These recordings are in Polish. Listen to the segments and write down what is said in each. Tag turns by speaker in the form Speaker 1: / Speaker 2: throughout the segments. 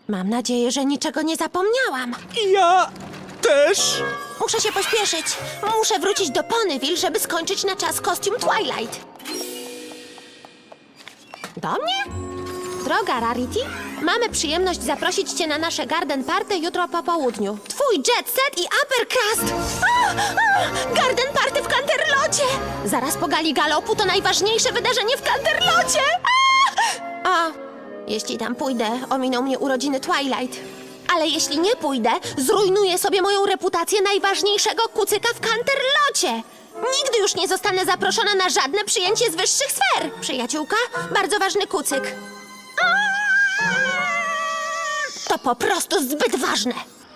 Speaker 1: Mam nadzieję, że niczego nie zapomniałam.
Speaker 2: Ja też.
Speaker 1: Muszę się pośpieszyć. Muszę wrócić do Ponyville, żeby skończyć na czas kostium Twilight. Do mnie? Droga Rarity, mamy przyjemność zaprosić cię na nasze garden party jutro po południu. Twój jet set i uppercrust! Garden party w Canterlocie! Zaraz po gali galopu to najważniejsze wydarzenie w Canterlocie! Jeśli tam pójdę, ominą mnie urodziny Twilight. Ale jeśli nie pójdę, zrujnuję sobie moją reputację najważniejszego kucyka w Canterlocie. Nigdy już nie zostanę zaproszona na żadne przyjęcie z wyższych sfer. Przyjaciółka, bardzo ważny kucyk. To po prostu zbyt ważne.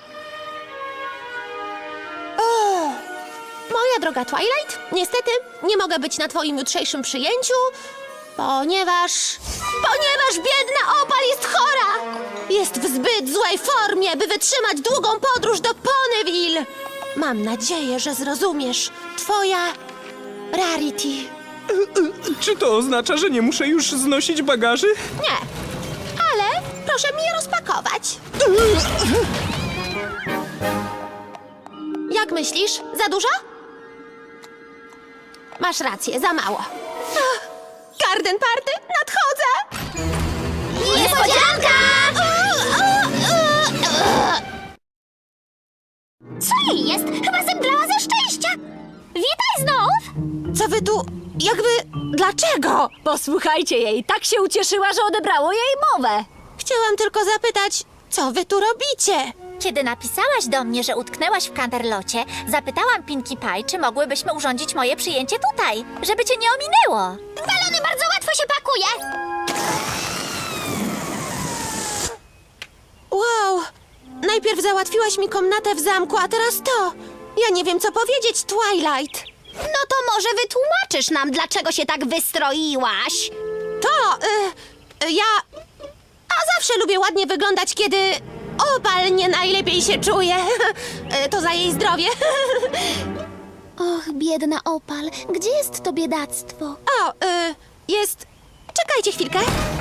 Speaker 1: Moja droga Twilight, niestety nie mogę być na twoim jutrzejszym przyjęciu, ponieważ biedna Opal jest chora! Jest w zbyt złej formie, by wytrzymać długą podróż do Ponyville. Mam nadzieję, że zrozumiesz. Twoja Rarity.
Speaker 2: Czy to oznacza, że nie muszę już znosić bagaży?
Speaker 1: Nie, ale proszę mi je rozpakować. Jak myślisz? Za dużo? Masz rację, za mało. Garden party, nadchodzę!
Speaker 3: Niespodzianka! Co jej jest? Chyba zemdlała ze szczęścia. Witaj znów!
Speaker 1: Co wy tu... jakby... dlaczego?
Speaker 4: Posłuchajcie jej, tak się ucieszyła, że odebrało jej mowę.
Speaker 1: Chciałam tylko zapytać, co wy tu robicie?
Speaker 3: Kiedy napisałaś do mnie, że utknęłaś w Canterlocie, zapytałam Pinkie Pie, czy mogłybyśmy urządzić moje przyjęcie tutaj, żeby cię nie ominęło. Balony bardzo łatwo się pakuje.
Speaker 1: Wow! Najpierw załatwiłaś mi komnatę w zamku, a teraz to! Ja nie wiem, co powiedzieć, Twilight!
Speaker 3: No to może wytłumaczysz nam, dlaczego się tak wystroiłaś?
Speaker 1: To, ja... A zawsze lubię ładnie wyglądać, kiedy... Opal nie najlepiej się czuje. To za jej zdrowie.
Speaker 3: Och, biedna Opal, gdzie jest to biedactwo?
Speaker 1: O, jest... Czekajcie chwilkę.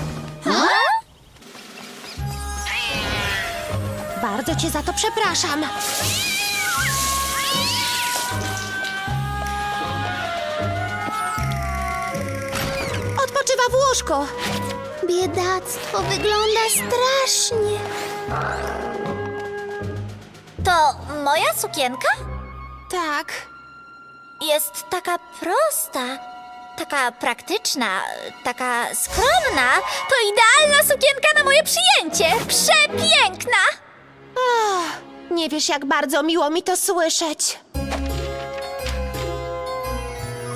Speaker 1: Bardzo cię za to przepraszam. Odpoczywa w łóżku.
Speaker 3: Biedactwo wygląda strasznie. To moja sukienka?
Speaker 1: Tak.
Speaker 3: Jest taka prosta, taka praktyczna, taka skromna. To idealna sukienka na moje przyjęcie. Przepiękna!
Speaker 1: Nie wiesz, jak bardzo miło mi to słyszeć.